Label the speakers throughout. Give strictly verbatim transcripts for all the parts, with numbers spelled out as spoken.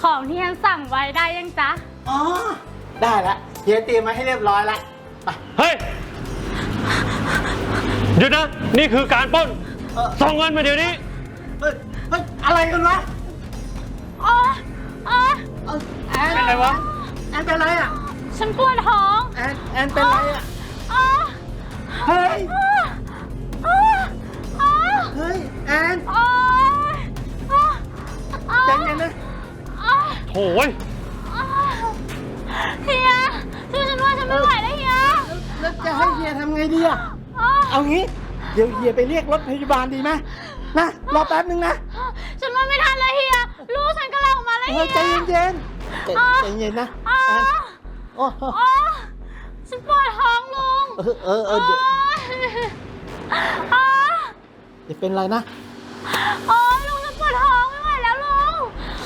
Speaker 1: ของที่ฉันสั่งไว้ได้ยังจ๊ะ
Speaker 2: อ๋อได้ละเฮียเตรียมมาให้เรียบร้อยแล้วไป
Speaker 3: เฮ้ยหยุดนะนี่คือการปล้นส่งเงินมาเดี๋ยวนี้
Speaker 2: เฮ้ยเฮ้ยอะไรกันวะ
Speaker 1: อ๋ออ๋อ
Speaker 2: แอน
Speaker 3: เป็นไรวะ
Speaker 2: แอนเป็นไรอ่ะ
Speaker 1: ฉันปวดท้อง
Speaker 2: แอนแอนเป็นไรอ่ะเฮ้ยเฮ้ยแอนใจเย็นนะ
Speaker 3: โถ่
Speaker 1: เฮียช่วยฉันว่าฉันไม่ไหวแล้วเฮีย
Speaker 2: แล้วจะให้เฮียทำไงดีอ่ะเอางี้เดี๋ยวเฮียไปเรียกรถพยาบาลดีไหมนะรอแป๊บนึงนะ
Speaker 1: ฉันว่าไม่ทันเลยเฮียลูกฉันกำลังออกมาแล้วเฮีย
Speaker 2: ใจเย็นๆใจเย็นนะแอนโอ้
Speaker 1: ฉันปวดท้องลุง
Speaker 2: เออเออเออเดี๋ยวจะเป็นไรนะ
Speaker 1: โอ้ลุงฉันปวดท้องไม่ไหวแล้วลุง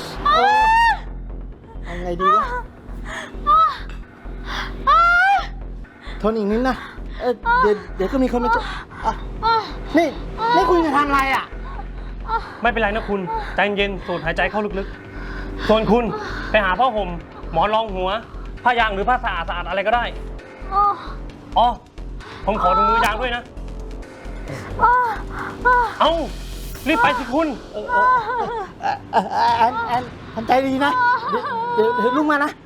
Speaker 2: เอาไงดีวะทนอีกนิดนะเออเดี๋ยวเดี๋ยวก็มีคนมาช่วยนี่นี่คุณจะทำอะไรอ่ะ
Speaker 3: ไม่เป็นไรนะคุณใจเย็นสูดหายใจเข้าลึกๆส่วนคุณไปหาผ้าห่มหมอนรองหัวผ้ายางหรือผ้าสะอาดสะอาดอะไรก็ได้อ๋อผมขอถุงมือยางด้วยนะเอ้ารีบไปสิคุณ
Speaker 2: แอนแอนทำใจดีนะเดี๋ยวเดี๋ยวลุกมานะ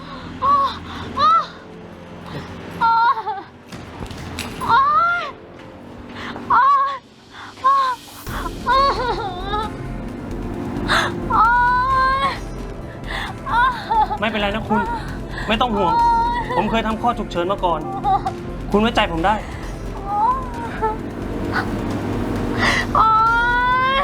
Speaker 3: ไม่เป็นไรนะคุณไม่ต้องห่วงผมเคยทำข้อฉุกเฉินมาก่อนคุณไว้ใจผมได้
Speaker 1: โอ๊ย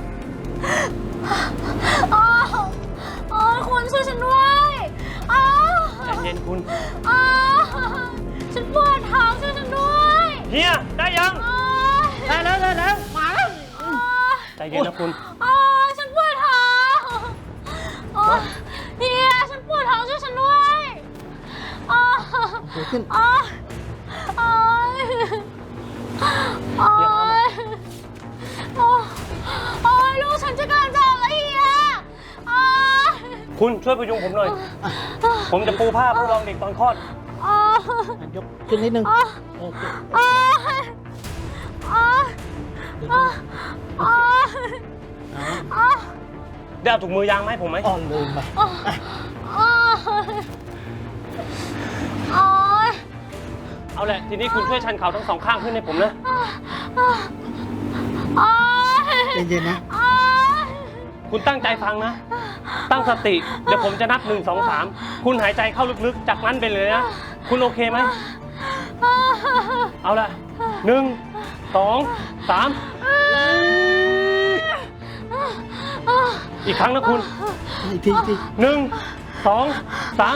Speaker 1: โอ๊ยคุณช่วยฉันด้วย
Speaker 3: ใจเย็นคุณ
Speaker 1: ฉันปวดท้องช่วยฉันด้วย
Speaker 3: เฮียได้ยัง
Speaker 2: ได้แล้วได้แล้วมาแล้ว
Speaker 3: ใจเย็นนะคุณ
Speaker 1: ฉันปวดท้องเฮียฉันปวดท้องช่วยฉันด้วย
Speaker 2: เดี๋ยวขึ้น
Speaker 1: โอ๊ยโอ๊ยโอ๊ยลูกฉันจะกำลังจะออกแล้วเฮีย
Speaker 3: คุณช่วยพยุงผมหน่อยผมจะปูผ้าผู้รองเด็กตอนคลอด
Speaker 2: ยกขึ้นนิดนึง
Speaker 3: ได้เอาถุงมือยางมาให้ผมไหม
Speaker 2: อ่อนลืมไป
Speaker 3: เอาแหละทีนี้คุณช่วยชันเข่าทั้งสองข้างขึ้นให้ผมนะ
Speaker 2: เย็นๆนะ
Speaker 3: คุณตั้งใจฟังนะตั้งสติเดี๋ยวผมจะนับหนึ่งสองสามคุณหายใจเข้าลึกๆจากนั้นไปเลยนะคุณโอเคไหมเอาละหนึ่งสองสามอีกครั้งนะคุณ
Speaker 2: อีกทีที
Speaker 3: หนึ่งสองสาม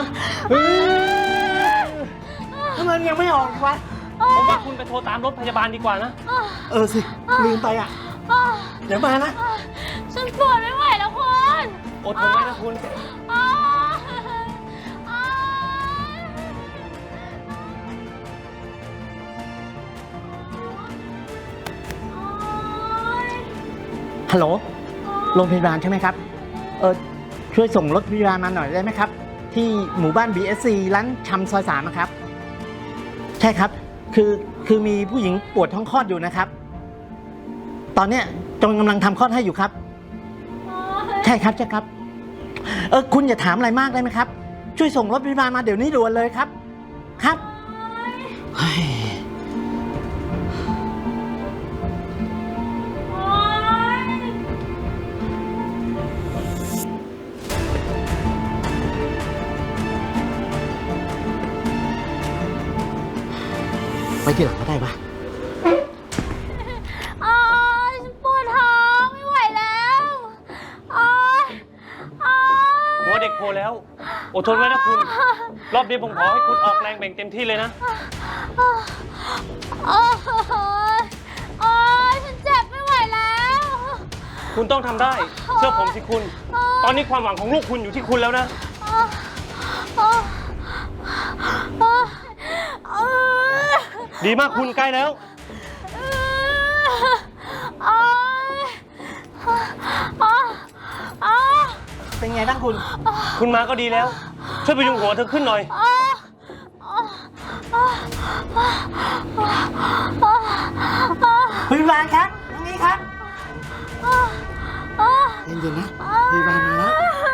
Speaker 2: ทำไมยังไม่ออกวะ
Speaker 3: ผมว่าคุณไปโทรตามรถพยาบาลดีกว่านะ
Speaker 2: เออสิลืมไปอ่ะเดี๋ยวมานะ
Speaker 1: ฉันปวดไม่ไหวแล้วคุณ
Speaker 3: อดทนไว้นะคุณ
Speaker 2: ฮัลโหลโรงพยาบาลใช่ไหมครับเออช่วยส่งรถพยาบาลมาหน่อยได้ไหมครับที่หมู่บ้าน บี เอส ซี ร้านชำซอยสามนะครับใช่ครับคือคือมีผู้หญิงปวดท้องคลอดอยู่นะครับตอนเนี้ยจงกำลังทำคลอดให้อยู่ครับใช่ครับใช่ครับเออคุณอย่าถามอะไรมากได้ไหมครับช่วยส่งรถพยาบาลมาเดี๋ยวนี้ด่วนเลยครับครับไปที่หลังก็ได้ปะ
Speaker 1: อ๋อฉันปวดท้องไม่ไหวแล้วอ๋อ
Speaker 3: หัวเด็กโผล่แล้วอดทนไว้นะคุณรอบนี้ผมขอให้คุณออกแรงแบ่งเต็มที่เลยนะ
Speaker 1: โอ๊ยฉันเจ็บไม่ไหวแล้ว
Speaker 3: คุณต้องทำได้เชื่อผมสิคุณตอนนี้ความหวังของลูกคุณอยู่ที่คุณแล้วนะดีมากคุณใกล้แล้ว
Speaker 2: เป็นไงบ้างคุณ
Speaker 3: คุณมาก็ดีแล้ว ช่วยพยุงหัวเธอขึ้นหน่อย
Speaker 2: พยาบาลครับตรงนี้ครับเย็นๆนะพยาบาลมาแล้ว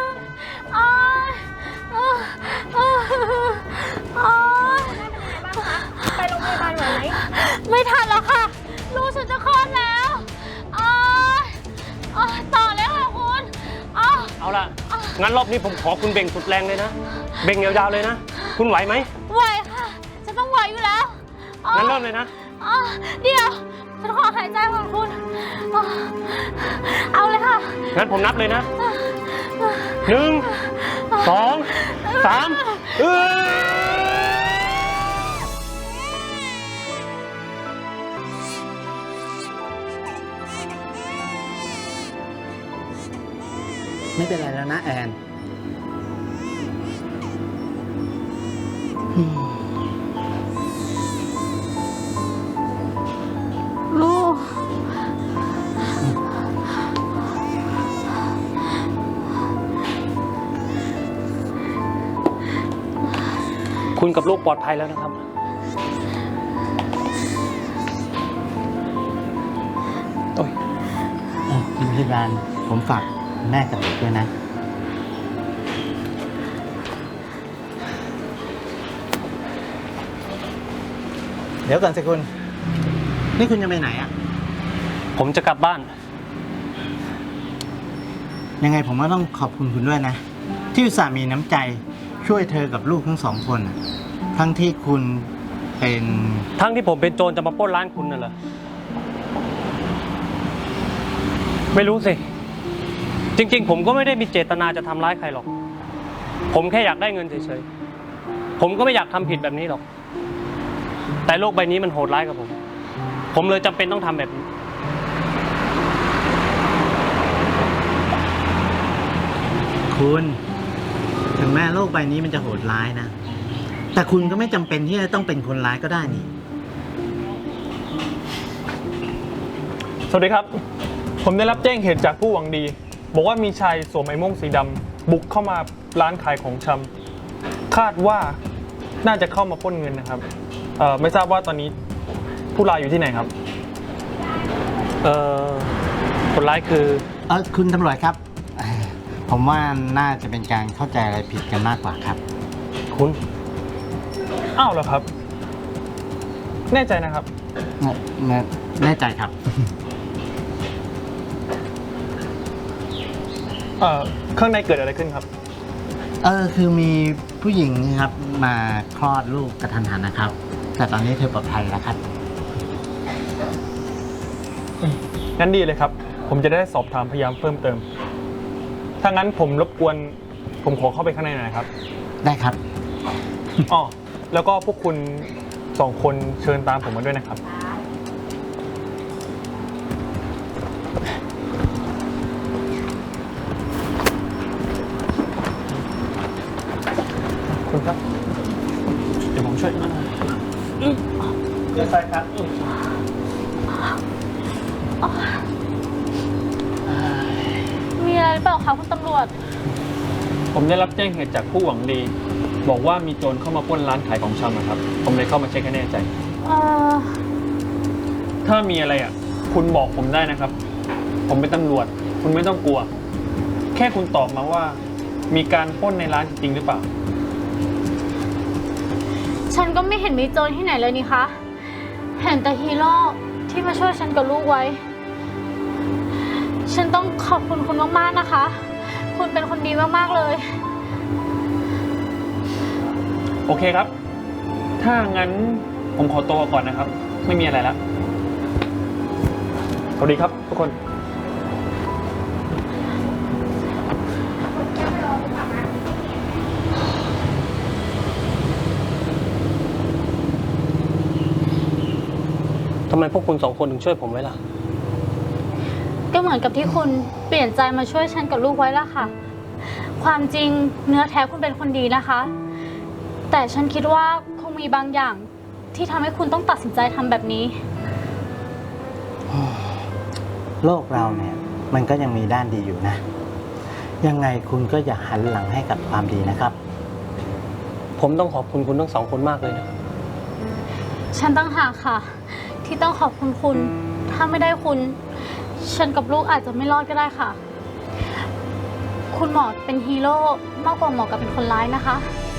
Speaker 1: ไปโรงพยาบาลไหวไหมไม่ทันแล้วค่ะ ลูกฉันจะคลอดแล้วอ๋ออ๋อต่อเลยค่ะคุณอ๋อ
Speaker 3: เอาล่ะ งั้นรอบนี้ผมขอคุณเบ่งสุดแรงเลยนะ เบ่งยาวๆเลยนะ คุณไหวไหม
Speaker 1: ไหวค่ะฉันต้องไหวอยู่แล้วอ๋อ
Speaker 3: งั้นเริ่มเลยนะ
Speaker 1: อ๋อเดี๋ยวฉันขอหายใจก่อนคุณอ๋อเอาเลยค่ะ
Speaker 3: งั้นผมนับเลยนะ หนึ่ง สอง สามเออ
Speaker 2: ไม่เป็นไรแล้วนะแอน
Speaker 1: ลูก
Speaker 3: คุณกับลูกปลอดภัยแล้วนะครับ โอ้ย
Speaker 2: เอ่อคุณพยาบาลผมฝากแม่กับเด็กด้วยนะ เดี๋ยวก่อนสิคุณ นี่คุณจะไปไหนอ่ะ
Speaker 3: ผมจะกลับบ้าน
Speaker 2: ยังไงผมก็ต้องขอบคุณคุณด้วยนะ ที่อุตส่าห์มีน้ำใจช่วยเธอกับลูกทั้งสองคนน่ะทั้งที่คุณเป็น
Speaker 3: ทั้งที่ผมเป็นโจรจะมาปล้นร้านคุณน่ะเหรอ ไม่รู้สิ จริงๆ ผมก็ไม่ได้มีเจตนาจะทำร้ายใครหรอก ผมแค่อยากได้เงินเฉยๆ ผมก็ไม่อยากทำผิดแบบนี้หรอก แต่โลกใบนี้มันโหดร้ายกับผม ผมเลยจำเป็นต้องทำแบบนี้
Speaker 2: คุณถึงแม้โลกใบนี้มันจะโหดร้ายนะ แต่คุณก็ไม่จำเป็นที่จะต้องเป็นคนร้ายก็ได้นี่
Speaker 4: สวัสดีครับ ผมได้รับแจ้งเหตุจากผู้หวังดี บอกว่ามีชายสวมไอ้โม่งสีดำบุกเข้ามาร้านขายของชำคาดว่าน่าจะเข้ามาปล้นเงินนะครับเอ่อไม่ทราบว่าตอนนี้ผู้ร้ายอยู่ที่ไหนครับ
Speaker 3: เอ่อ คนร้ายคือ
Speaker 2: เออคุณตำรวจครับเอ่อผมว่าน่าจะเป็นการเข้าใจอะไรผิดกันมากกว่าครับ
Speaker 3: คุณ
Speaker 4: อ้าวเหรอครับ แน่ใจนะครับ
Speaker 2: แน่แน่แน่ใจครับ
Speaker 4: เอ่อข้างในเกิดอะไรขึ้นครับ
Speaker 2: เออคือมีผู้หญิงครับมาคลอดลูกกระทันหันนะครับ แต่ตอนนี้เธอปลอดภัยแล้วครับ
Speaker 4: งั้นดีเลยครับ ผมจะได้สอบถามพยานเพิ่มเติม ถ้างั้นผมรบกวนผมขอเข้าไปข้างในหน่อยครับ
Speaker 2: ได้ครับ
Speaker 4: อ๋อแล้วก็พวกคุณสองคนเชิญตามผมมาด้วยนะครับ คุณครับ เดี๋ยวผมช่วยนะเดี๋ยวใส่ครับ
Speaker 1: มีอะไรหรือเปล่าคะคุณตำรวจ
Speaker 4: ผมได้รับแจ้งเหตุจากผู้หวังดี บอกว่ามีโจรเข้ามาปล้นร้านขายของชำนะครับ ผมเลยเข้ามาเช็คให้แน่ใจ
Speaker 1: เอ่อ
Speaker 4: ถ้ามีอะไรอ่ะ คุณบอกผมได้นะครับ ผมเป็นตำรวจ คุณไม่ต้องกลัว แค่คุณตอบมาว่า มีการปล้นในร้านจริงหรือเปล่า
Speaker 1: ฉันก็ไม่เห็นมีโจรที่ไหนเลยนี่คะ เห็นแต่ฮีโร่ที่มาช่วยฉันกับลูกไว้ ฉันต้องขอบคุณคุณมากๆนะคะ คุณเป็นคนดีมากๆเลย
Speaker 4: โอเคครับ ถ้างั้นผมขอตัวก่อนนะครับ ไม่มีอะไรแล้ว สวัสดีครับทุกคน
Speaker 3: ทำไมพวกคุณสองคนถึงช่วยผมไว้ล่ะ
Speaker 1: ก็เหมือนกับที่คุณเปลี่ยนใจมาช่วยฉันกับลูกไว้ละค่ะ ความจริงเนื้อแท้คุณเป็นคนดีนะคะ แต่ฉันคิดว่าคงมีบางอย่างที่ทำให้คุณต้องตัดสินใจทำแบบนี้
Speaker 2: โลกเราเนี่ยมันก็ยังมีด้านดีอยู่นะยังไงคุณก็อย่าหันหลังให้กับความดีนะครับ
Speaker 3: ผมต้องขอบคุณคุณทั้งสองคนมากเลยนะ
Speaker 1: ฉันตั้งหากค่ะ ที่ต้องขอบคุณคุณ ถ้าไม่ได้คุณ ฉันกับลูกอาจจะไม่รอดก็ได้ค่ะ คุณหมอเป็นฮีโร่มากกว่าหมอกับเป็นคนร้ายนะคะ